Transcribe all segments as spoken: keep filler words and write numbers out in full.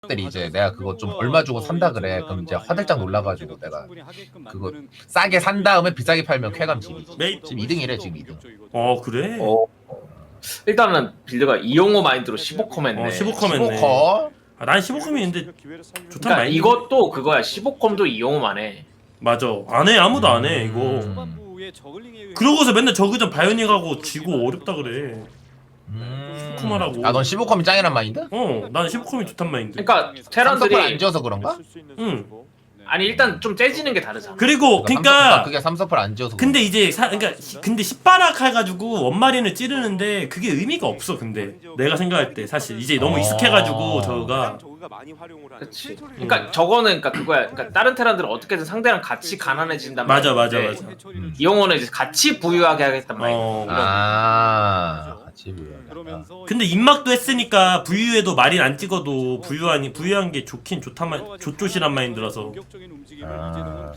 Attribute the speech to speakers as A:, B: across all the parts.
A: 들이 이제 내가 그거 좀 얼마 주고 산다 그래. 그럼 이제 화들짝 놀라가지고 내가 그거 싸게 산 다음에 비싸게 팔면 쾌감 지기지.
B: 메이-
A: 지금 이 등이래 지금 이 등.
B: 어 그래?
C: 어. 일단은 빌드가 이용호 마인드로 십오 컴 했네.
B: 어 십오 컴 했네.
A: 십오 컷.
B: 아, 난 십오 컴이 있는데 좋단
C: 그러니까
B: 말이야.
C: 이것도 그거야. 십오 컴도 이용호만 해.
B: 맞아. 안 해. 아무도 안 해 이거.
A: 음.
B: 그러고서 맨날 저그전 바이오닉 하고 지고 어렵다 그래.
A: 음.
B: 쿠마라고.
A: 아넌 십오 컴이 짱이란 마인드?
B: 어, 난 십오 컴이 좋단 말인데.
C: 그러니까
A: 삼성을
C: 테란들이
A: 안 지어서 그런가?
B: 응.
C: 아니 일단 좀 째지는 게 다르잖아.
B: 그리고
A: 삼성을-
B: 그러니까
A: 그게 삼성을 안 지어서.
B: 근데 이제 사, 그러니까 시- 근데 십바락 해가지고 원마리는 찌르는데 그게 의미가 없어. 근데 내가 생각할 때 사실 이제 너무
A: 어.
B: 익숙해가지고 저가
C: 그렇지. 그러니까 저거는 그러니까 그거야. 그러니까 다른 테란들은 어떻게든 상대랑 같이 가난해진단
B: 맞아 맞아
C: 말인데
B: 맞아.
A: 음.
C: 이용호는 이제 같이 부유하게 하겠단 말이야.
B: 어.
A: 아 같이 보여.
B: 근데 입막도 했으니까 부유해도 마린 안 찍어도 부유하니 부유한 게 좋긴 좋단 말 좋조시란 마인드라서.
A: 아.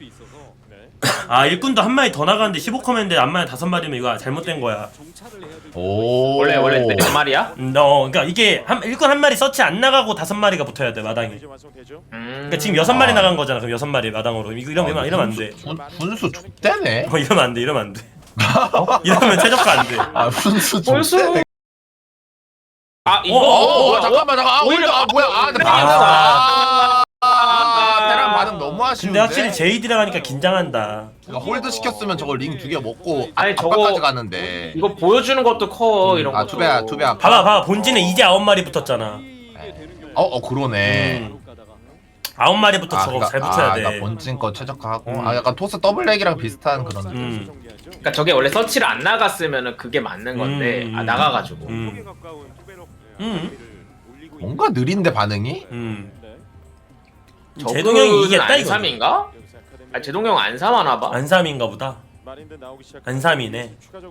B: 아 일꾼도 한 마리 더 나가는데 십오 컴인데 안 마리 다섯 마리면 이거 잘못된 거야.
A: 오.
C: 원래 원래 몇 마리야?
B: 음, 어, 그러니까 이게 한 일꾼 한 마리 서치 안 나가고 다섯 마리가 붙어야 돼 마당에.
C: 음.
B: 그러니까 지금 여섯 마리
A: 아.
B: 나간 거잖아. 그럼 여섯 마리 마당으로. 이거 이러면 이러면, 이러면 안 돼.
A: 분, 분수 족대네.
B: 어 이러면 안 돼. 이러면 안 돼. 이러면 최저가 안 돼.
A: 아 분수
C: 벌써?
A: 족대네.
C: 아 이거
A: 어, 어, 어,
C: 뭐야?
A: 잠깐만 잠깐. 아
C: 오히려-
A: 오히려 아 뭐야? 아, 근데
C: 아.
A: 반응. 아, 아, 테란 반응 너무 아쉬운데.
B: 근데 확실히 제이디랑 하니까 긴장한다.
A: 그러니까 홀드 시켰으면 저걸 링 두 개 먹고
C: 아니, 저거-
A: 압박까지 가는데.
C: 이거 보여주는 것도 커 이런 거.
A: 아 투배야 투배야.
B: 봐봐 봐봐 본진에 이제 아홉 마리 붙었잖아.
A: 어, 어 그러네.
B: 음. 아홉 마리부터 저거 잘 붙여야
A: 아,
B: 돼.
A: 나 본진 거 최적화하고.
B: 음.
A: 아 약간 토스 더블렉이랑 비슷한 그런 느낌.
B: 음.
C: 그러니까 저게 원래 서치를 안 나갔으면은 그게 맞는 건데
B: 음.
C: 아 나가가지고.
B: 음. 음.
A: 뭔가 느린데 반응이?
B: 음.
C: 저그는
B: 제동형이 이겼다 이거.
C: 안삼인가? 아 제동형 안삼 하나 봐.
B: 안삼인가 보다. 안삼이네.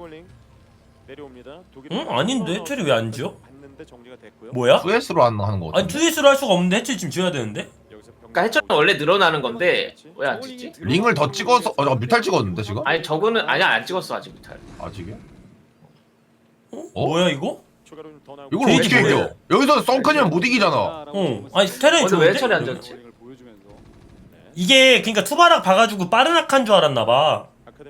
B: 응? 아닌데 해철이 왜 안 지어? 뭐야?
A: 투에스로 하는 하는 거.
B: 아니 투에스로 할 수가 없는데 해철이 지금 지어야 되는데?
C: 그러니까 해처는 원래 늘어나는 건데 왜 안 찍지?
A: 링을 더 찍어서 어 잠깐 뮤탈 찍었는데 지금?
C: 아니 저거는 아니야 안 찍었어 아직 뮤탈.
A: 아직이야?
B: 어?
A: 어?
B: 뭐야 이거?
A: 이걸
B: 게이지
A: 어떻게
B: 뭐예요?
A: 이겨? 여기서 썬크니면 못 이기잖아.
B: 어. 아니 테란이
C: 근데 왜
B: 좋은데?
C: 해처리 안 졌지?
B: 이게 그러니까 투바락 봐가지고 빠르락한 줄 알았나봐.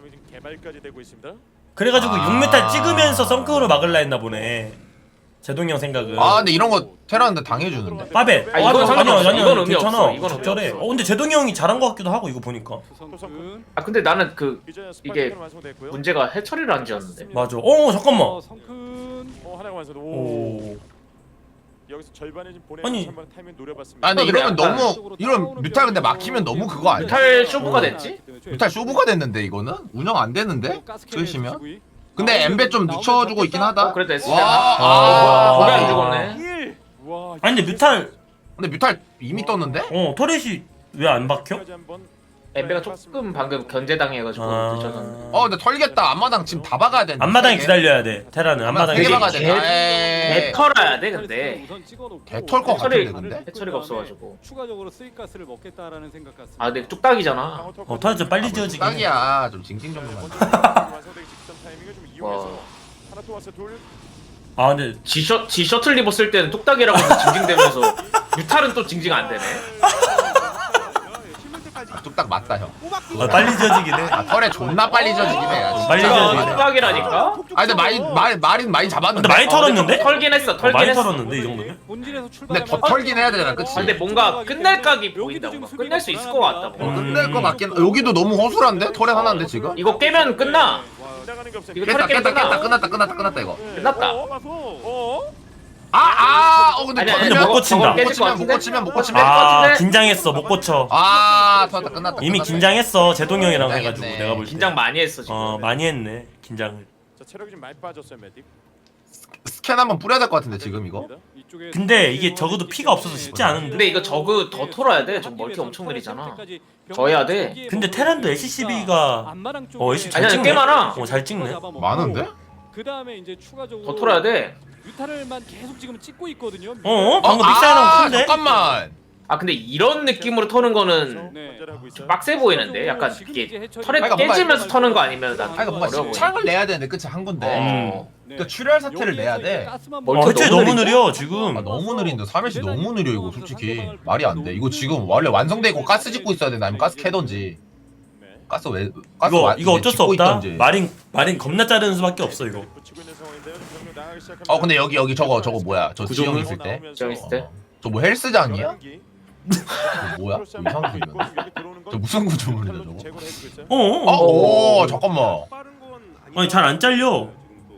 B: 그래가지고
A: 아.
B: 육 메탈 찍으면서 썬크로 막을라 했나 보네. 제동형 생각은.
A: 아 근데 이런 거 테라한테 당해주는데.
B: 빠벳.
C: 아, 이건
B: 아니,
C: 상관없어.
B: 아니, 아니,
C: 이건 의미
B: 괜찮아.
C: 없어. 이건
B: 적절해.
C: 의미 없어.
B: 어 근데 제동이 형이 잘한 것 같기도 하고 이거 보니까.
C: 아 근데 나는 그 이게 문제가 해처리를 안 지었는데.
B: 맞아. 어 잠깐만.
D: 어, 성큰
E: 어 하나가 완성. 오.
B: 오.
E: 여기서 절반을 좀 보내
B: 아니.
E: 한번 타이밍 노려봤습니다.
A: 아 근데
C: 근데
A: 이러면
C: 약간-
A: 너무 이런 뮤탈 근데 막히면 너무 그거 아니야?
C: 뮤탈 쇼부가 됐지?
A: 뮤탈 쇼부가 됐는데 이거는 운영 안 되는데? 쓰시면? 근데 엠베 좀 늦춰주고 있긴 하다.
C: 어, 그래도 됐어.
A: 와,
B: 아.
C: 고개
A: 아,
C: 안 죽었네.
E: 일. 와.
B: 아니 근데 뮤탈
A: 근데 뮤탈 이미 떴는데?
B: 어 터렛이 왜 안 박혀?
C: 엠베가 조금 방금 견제당해가지고
B: 아.
C: 늦어졌는데.
A: 어 근데 털겠다. 앞마당 지금 다 박아야 되는데.
B: 앞마당에
A: 세 개.
B: 기다려야 돼. 테라는 앞마당에.
A: 세개
C: 되게
A: 박아야
C: 개-
A: 돼. 에이.
C: 개털어야 돼 근데.
A: 개털 것
C: 해처리
A: 같은데 근데?
C: 해처리가 없어가지고.
D: 추가적으로 쓰이가스를 먹겠다라는 생각 같습니다.
C: 아 근데 뚝딱이잖아.
B: 어 터렛 좀 빨리 지어지긴 해.
A: 딱이야. 좀 징징 정도만.
E: 완성되기 직전 타이밍을 좀 이용해서
C: 와.
E: 하나 또 왔어 둘.
B: 아 근데
C: 지셔 지 셔틀 리버 쓸 때는 뚝딱이라고 해서 징징대면서 뮤탈은 또 징징 안 되네.
A: 아, 뚝딱 맞다 형.
B: 아, 빨리 지어지긴 해.
A: 아 털에 존나 빨리 져지긴 해. 아, 진짜.
B: 빨리
C: 진짜
B: 져지네.
C: 뚝딱이라니까.
A: 아 근데 많이 많이 많이 많이 잡았는데.
B: 근데 많이 털었는데?
C: 털긴 했어.
B: 어,
C: 털긴
B: 많이
C: 했어.
B: 털었는데 이 정도면?
D: 본진에서
A: 근데 더
D: 출발하면서
A: 털긴 해야 되잖아, 그치?
C: 아, 근데 뭔가 끝날 각이 보인다. 뭔가 끝낼 수 있을 것 같다.
A: 어,
C: 뭔가.
A: 끝낼 거 맞긴. 여기도 너무 허술한데? 털에 하나인데 지금?
C: 이거 깨면 끝나.
E: 나가는 게 없어.
C: 이거
A: 깼다
C: 털에 깨면
A: 깼다 깼다
C: 끝나.
A: 끝났다 끝났다 끝났다 이거.
C: 끝났다.
E: 어, 와서. 어?
A: 아아어 근데
C: 아니, 아니,
B: 근데
A: 터지면
B: 못 고친다.
A: 못 고치면 못 고치면 못 고치면
C: 아.
B: 아
C: 같은데?
B: 긴장했어 못 고쳐.
A: 아 터졌다 끝났다.
B: 이미
A: 끝났다.
B: 긴장했어 제동이 형이랑 해가지고
A: 긴장했네.
B: 내가 볼 때.
C: 긴장 많이 했어 지금.
B: 어 많이 했네 긴장을.
E: 자 체력이 좀 많이 빠졌어요 메딕.
A: 스캔 한번 뿌려야 될 것 같은데 지금 이거.
D: 이쪽에
B: 근데 이게 적어도 피가 없어서 쉽지 않은데.
C: 근데 이거 저그 더 털어야 돼. 저 멀티 엄청 느리잖아. 더 해야 돼.
B: 근데 테란도 엘씨씨비가 어 엘씨 잘
C: 아니야,
B: 찍네.
C: 꽤 많아.
B: 어 잘 찍네.
A: 많은데?
D: 그 다음에 이제 추가적으로
C: 더 털어야 돼.
D: 유타를만 계속 지금 찍고 있거든요.
B: 어?
A: 어,
B: 방금
A: 아,
B: 믹사이랑 큰데?
A: 잠깐만.
C: 아 근데 이런 느낌으로 터는 거는
D: 네.
C: 좀 빡세 보이는데 약간 이게 털에
A: 그러니까 뭔가-
C: 깨지면서 터는 거 아니면 난
A: 아 이거 뭔가
C: 어려워 보여.
A: 창을 내야 되는데 그치 한 건데.
B: 음.
C: 어.
A: 그러니까 출혈 사태를 내야 돼.
C: 뭘
B: 어, 대체
C: 너무
B: 너무
C: 느리죠?
B: 느려 지금.
A: 아 너무 느린데 삼 일씩 너무 느려 이거 솔직히 말이 안 돼. 이거 지금 원래 완성되고 가스 짓고 있어야 되나 아니면 가스 캐던지.
E: 네.
A: 가스 왜 가스
B: 이거
A: 와-
B: 이거
A: 이제
B: 어쩔 수
A: 짓고
B: 없다.
A: 있던지.
B: 마린 마린 겁나 자르는 수밖에 없어 이거.
E: 붙이고 있는 상황인데요. 좀 병력 나가기 시작합니다.
A: 어 근데 여기 여기 저거 저거 뭐야? 저
B: 구조물?
A: 지형 있을 때.
C: 지형 있을 때?
A: 저 뭐 헬스장이야?
E: 열한기.
A: 저 뭐야? 저 이상한 소리네. 저 무슨 구조물이야 저거?
E: 제거를 해주고 있어요.
B: 어. 어.
A: 어,
B: 어.
A: 오 잠깐만.
B: 아니 잘 안 잘려.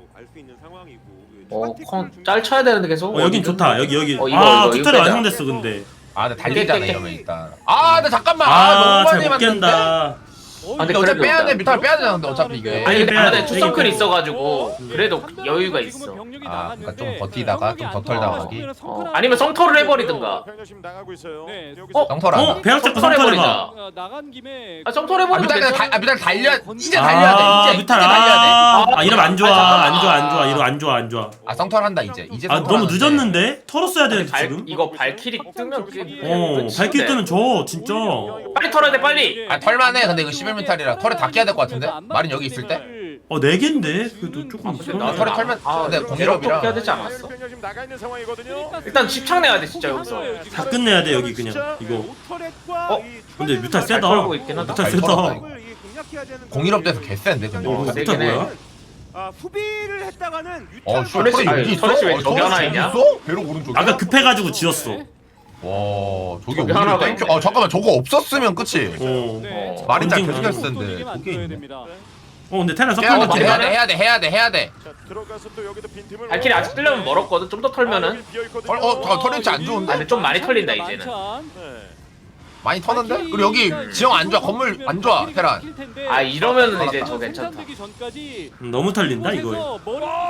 C: 어, 컨, 짤 쳐야 되는데 계속.
B: 어, 여긴 좋다. 여기 여기.
C: 어, 이거,
B: 아
C: 이거, 이거
B: 투텔이
C: 빼자.
B: 완성됐어 근데.
A: 아, 근데 달리잖아
C: 깨, 깨,
A: 이러면 일단. 아, 근데 잠깐만. 아,
B: 아
A: 너무 많이
B: 잘 못
A: 만든데.
B: 깬다.
C: 아, 근데
A: 근데 어차피
C: 그래도
A: 빼야 돼.
C: 일단-
A: 뮤탈 빼야 되잖아. 근데 어차피 이게.
C: 아니 근데
B: 빼야
C: 안에
B: 돼.
C: 투성클
B: 되게
C: 있어가지고 그래도 여유가 있어.
A: 아, 그러니까 좀 버티다가 좀 더 털다가 가기.
C: 어, 아니면 성토를 해버리든가.
E: 병력 지금 나가고 있어요.
D: 네.
E: 여기서
C: 어?
A: 성털 한다.
B: 어 배양 잡고
C: 성털
B: 성털
C: 해버리자.
B: 해봐.
D: 어, 나간 김에
C: 아, 성토를
A: 아,
C: 해버리면
A: 뮤탈 그냥 다,
C: 괜찮아.
A: 아, 뮤탈 달려. 이제 달려야 돼.
B: 아
A: 이제 이제
B: 뮤탈
A: 달려야 돼.
B: 아, 아 이러면 안 좋아
C: 아,
B: 안 좋아 안 좋아 이러 안 좋아 안 좋아.
A: 아, 성털 한다 이제. 이제
B: 아
A: 성털
B: 너무
A: 하는데.
B: 늦었는데 털었어야
C: 아니,
B: 되는데
C: 발,
B: 지금.
C: 이거 발키리 뜨면 그게
B: 어 발길 뜨면 져 진짜.
C: 빨리 털어야 돼 빨리.
A: 아, 털만해. 근데 이거 십일 뮤탈이라 털에 다 끼야 될 것 같은데. 마린 여기 있을 때.
B: 어 네 개인데 그래도 조금
C: 아, 근데
B: 이상하네.
C: 나
A: 털에 털면
C: 아,
A: 근데
C: 이렇게
A: 공일업이라.
C: 해야 되지 않았어?
E: 병력 지금 나가 있는 상황이거든요.
C: 일단 집착내야 돼 진짜 여기서.
B: 다 끝내야 돼 여기 그냥 이거.
C: 어?
B: 근데 뮤탈
C: 잘
B: 세다.
C: 털고 있긴 하다.
B: 뮤탈
A: 잘
B: 세다.
A: 털었다, 이거. 공일업돼서 개센데 근데.
B: 어
C: 어,
B: 뮤탈
C: 세긴 해.
B: 뭐야?
F: 아, 후비를 했다가는
A: 어,
F: 유탄
A: 씨,
C: 털에
A: 털이
C: 아니,
A: 여기 있어?
C: 털에 왜
A: 어,
C: 저기 하나
A: 털이
C: 있냐?
A: 있어? 배로 오른쪽에.
B: 아까 급해가지고 지었어.
A: 와, 저게
C: 저기
A: 오히려
C: 하나가
A: 땡큐.
C: 있네.
A: 어, 잠깐만 저거 없었으면 끝이.
B: 어.
D: 네.
A: 말이 잘
B: 검증
A: 계속했을 텐데. 저게 있네.
D: 됩니다.
B: 어 근데 테란
A: 해야
B: 석탄
A: 돼, 해야
C: 맞네.
A: 돼, 해야 돼, 해야 돼, 해야 돼.
E: 자, 들어가서 또 여기도 빈틈을.
C: 발키리 아직 뜨려면 멀었거든. 좀 더 털면은.
A: 어, 어, 저 털렌치 안 좋은데?
C: 아, 근데 좀 많이 털린다, 이제는.
E: 네.
A: 많이 터는데? 그리고 여기 지형 안 좋아, 건물 안 좋아, 테란.
C: 아 이러면은
A: 아,
C: 이제
A: 아,
C: 저 괜찮다.
B: 음, 너무 털린다 이거.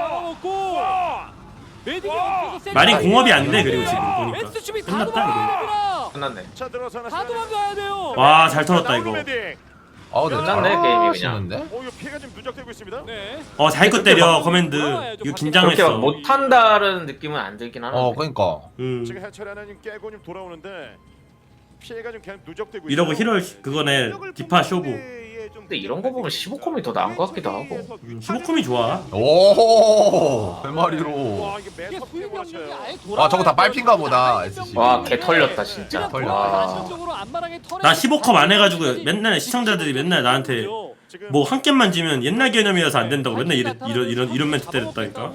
B: 마린
D: 마린
B: 공업이 안 돼 그리고 지금 보니까. 끝났다
C: 끝났네.
E: 자, 들어서 하나.
D: 다 도망가야 돼요.
B: 이거. 와 잘 털었다 이거.
A: 아, 근데
C: 괜찮네, 게임이 그냥.
A: 잘하시는데?
E: 어, 이거 피해가 좀 누적되고 있습니다.
D: 네.
B: 어 자기 거 때려 커맨드. 이거
C: 그렇게 막
B: 긴장했어.
C: 못한다는 느낌은 안 들긴 하는데.
A: 어, 그러니까.
B: 음.
E: 지금 해철 하나 좀 깨고 좀 돌아오는데 피해가 좀 계속 누적되고
B: 이러고
E: 있어요.
B: 히럴 그거네 디파 쇼부.
C: 근데 이런 거 보면 십오 컴이 더 나은 것 같기도 하고.
B: 음, 십오 컴이 좋아.
A: 오, 세 마리로.
E: 와, 이게
D: 이게
E: 매섭게
D: 수익 병력이
E: 몰아쳐요.
D: 아예
A: 아, 저거 다 빨핀가 보다, 에스씨.
C: 와, 개 털렸다 진짜.
A: 털렸다.
C: 와.
B: 나 십오 컴 안 해가지고 맨날 시청자들이 맨날 나한테
E: 지금
B: 뭐 한 겜만 지면 옛날 개념이어서 안 된다고 맨날 이런 이런 이런 이런 멘트 때렸다니까.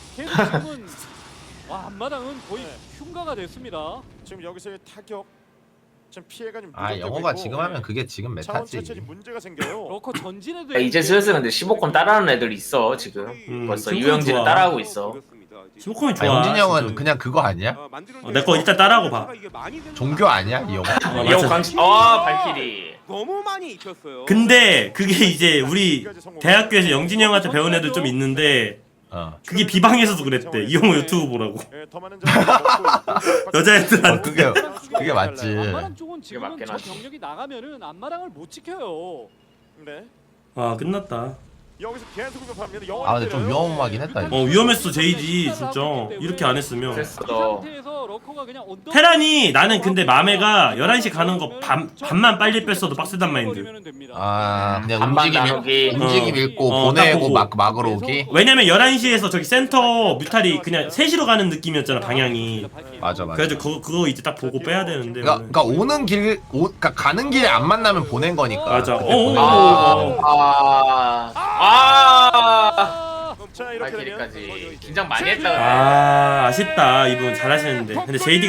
D: 와 앞마당은 거의 흉가가 됐습니다.
E: 지금 여기서의 타격 좀 피해가 좀
A: 아,
E: 누적되고
A: 영어가
E: 있고,
A: 지금 하면 그게 지금
E: 자원
A: 메타지.
E: 채취 문제가 생겨요.
D: 러커 전진에도
C: 야, 이제 슬슬 근데 십오 컴 따라하는 애들 있어 지금.
B: 음,
C: 벌써
B: 십오 컴
C: 유영진은
B: 좋아.
C: 따라하고 있어.
B: 십오 컴이
A: 아,
B: 좋아.
A: 영진이 형은
B: 진짜.
A: 그냥 그거 아니야?
B: 어, 내거 일단 따라하고 봐.
A: 종교 아니야? 이 영화?
B: 어,
C: 이형
B: 맞아.
C: 강시. 아 발키리.
F: 너무 많이 익혔어요.
B: 근데 그게 이제 우리 대학교에서 영진이 형한테 배운 애들 좀 있는데
A: 어.
B: 그게 비방에서도 그랬대. 이형우 유튜브 보라고.
E: 예, 더 많은 자원을 먹고 있고.
B: 여자애들한테.
A: 어, 그게 그게 맞지.
D: 앞마당 쪽은 지금
C: 맞긴
D: 저
C: 하지.
D: 병력이 나가면은 앞마당을 못 지켜요.
E: 네.
B: 아 끝났다.
E: 여기서 계속 공격합니다.
A: 아, 근데 좀 위험하긴 했다 이거.
B: 어 위험했어 제이지 진짜. 이렇게 안 했으면.
C: 됐어.
D: 이 상태에서 러커가 그냥 언덕
B: 테란이 나는 근데 맘에가 열한 시 가는 거 반, 반만 빨리 뺐어도 빡세단 마인드.
A: 아, 그냥
C: 반반
A: 움직임 읽-
C: 나누기.
A: 움직임
B: 어.
A: 읽고
B: 어, 딱
A: 보내고
B: 보고.
A: 막 막으로 오기.
B: 왜냐면 열한 시에서 저기 센터 뮤탈이 그냥 세 시로 가는 느낌이었잖아 방향이.
A: 맞아, 맞아.
B: 그래가지고 그거, 그거 이제 딱 보고 빼야 되는데.
A: 그러니까, 그러니까 오는 길, 오, 그러니까 가는 길에 안 만나면 보낸 거니까.
B: 맞아.
A: 그때
B: 어,
A: 보낸
B: 어,
A: 거니까.
B: 어.
C: 아. 아.
E: 자, 이렇게 되면
C: 발키리까지 긴장 많이 했다.
B: 아 아쉽다 이분 잘하시는데. 근데 제이디